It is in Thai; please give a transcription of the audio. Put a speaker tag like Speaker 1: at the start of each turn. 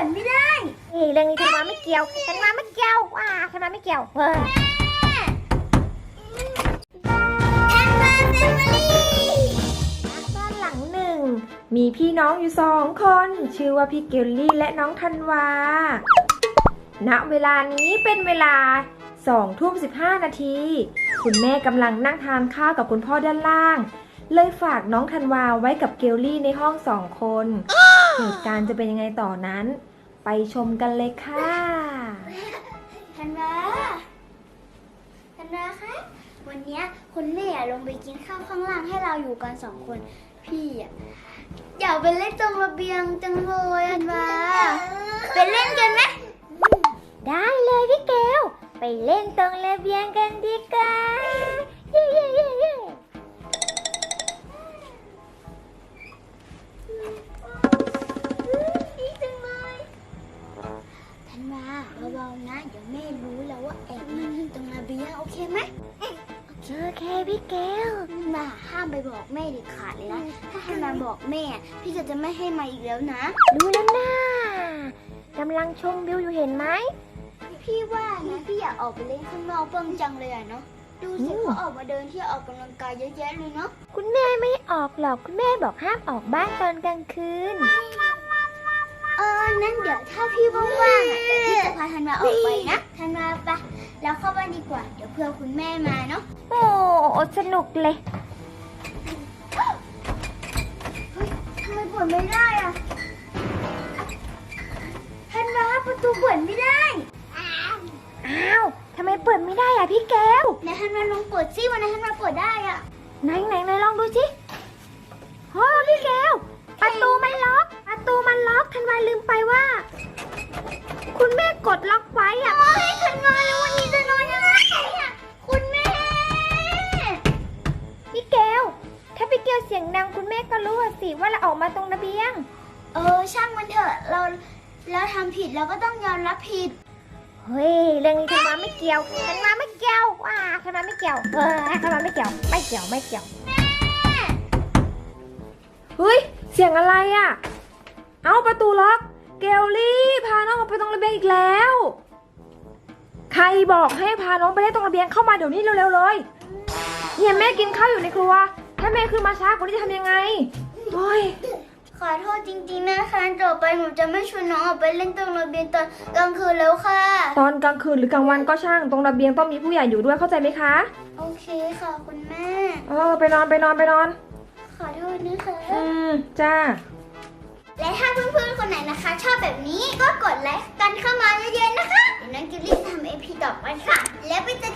Speaker 1: นไม่ได้
Speaker 2: เรื่องนี้ธันวาไม่เกี่ยวธันวาไม่เกี่ยวธันวาไม่เกี่ยว
Speaker 1: ธันวาแฟมิลี่
Speaker 2: บ้านหลังหนึ่งมีพี่น้องอยู่2 คนชื่อว่าพี่เกลลี่และน้องธันวาณเวลานี้เป็นเวลา20:15 คุณแม่กำลังนั่งทานข้าวกับคุณพ่อด้านล่างเลยฝากน้องธันวาไว้กับเกลลี่ในห้อง2 คนเหตุการณ์จะเป็นยังไงต่อนั้นไปชมกันเลยค่ะ
Speaker 1: ธันวาคะวันนี้คุณแม่ลงไปกินข้าวข้างล่างให้เราอยู่กัน2 คนพี่อยากไปเล่นตรงระเบียงจังเลยธันวาไปเล่นกันไหม
Speaker 2: ได้เลยพี่เกลไปเล่นตรงระเบียงกันดีกว่าเย้เย้เย้เย้
Speaker 1: ดีจังเลยธันวาเบาๆนะเดี๋ยวแม่รู้แล้วว่าแอบมาตรงระเบียงโอเคไหม
Speaker 2: โอเคพี่เกล
Speaker 1: มาห้ามไปบอกแม่เด็ดขาดเลยนะถ้าให้มาบอกแม่พี่ก็จะไม่ให้มาอีกแล้วนะ
Speaker 2: รู้แล้วนะกำลังชมวิวอยู่เห็นไหม
Speaker 1: พี่ว่านะพี่อยากออกไปเล่นข้างนอกเพิ่งจังเลยเนาะดูสิเขาออกมาเดินที่ออกกำลังกายเยอะแยะเลยเนาะ
Speaker 2: คุณแม่ไม่ออกหรอกคุณแม่บอกห้ามออกบ้านตอนกลางคืน
Speaker 1: นั่นเดี๋ยวถ้าพี่ว่างๆพี่จะพาธันวาออกไปนะธันวาไปแล้วเข้าบ้านดีกว่าเดี๋ยวเพื่อคุณแม่มาเนาะ
Speaker 2: โอ้สนุกเลย
Speaker 1: เฮ้ยทำไมเปิดไม่ได้อะธันวาประตูเปิดไม่ได้
Speaker 2: อ้าวทำไมเปิดไม่ได้อะพี่แก้ว
Speaker 1: ไหนธันวาลองเปิดซิวันนั้นธันวาเปิดได้อะ
Speaker 2: ไหนลองดูสิโอ้พี่แก้วประตูมันล็อกธันวาลืมไปว่าคุณแม่กดล็อกไว้อะ
Speaker 1: โอ้ยธันวาแล้ววันนี้จะนอนยังไงอะคุณแม่
Speaker 2: พี่แก้วถ้าพี่แก้วเสียงดังคุณแม่ก็รู้สิว่าเราออกมาตรงระเบียง
Speaker 1: ช่างมันเถอะเราทำผิดเราก็ต้องยอมรับผิด
Speaker 2: เฮ้ยเรื่องนี้ธันวาไม่เกี่ยวธันวาไม่เกี่ยวธันวาไม่เกี่ยวธันวาไม่เกี่ยวแม่เฮ้ยเสียงอะไรอ่ะเอ้าประตูล็อกเกลลี่พาน้องออกไปตรงระเบียงอีกแล้วใครบอกให้พาน้องไปเล่นตรงระเบียงเข้ามาเดี๋ยวนี้เร็วๆเลยเนี่ยแม่กินข้าวอยู่ในครัวถ้าแม่ขึ้นมาช้ากว่านี้จะทำยังไงโอ้ย
Speaker 1: ขอโทษจริงๆนะคะต่อไปหนูจะไม่ชวนน้องออกไปเล่นตรงระเบียงตอนกลางคืนแล้วค่ะ
Speaker 2: ตอนกลางคืนหรือกลางวันก็ช่างตรงระเบียงต้องมีผู้ใหญ่อยู่ด้วยเข้าใจไหมคะ
Speaker 1: โอเคค่ะคุณแม่
Speaker 2: ไปนอน
Speaker 1: ขอโทษนะคะ
Speaker 2: จ้า
Speaker 1: และถ้าเพื่อนๆคนไหนนะคะชอบแบบนี้ก็กดไลค์กันเข้ามาเยอะๆนะคะเดี๋ยวน้องกิลลี่ทำเอพีต่อไปค่ะแล้วไปเจอ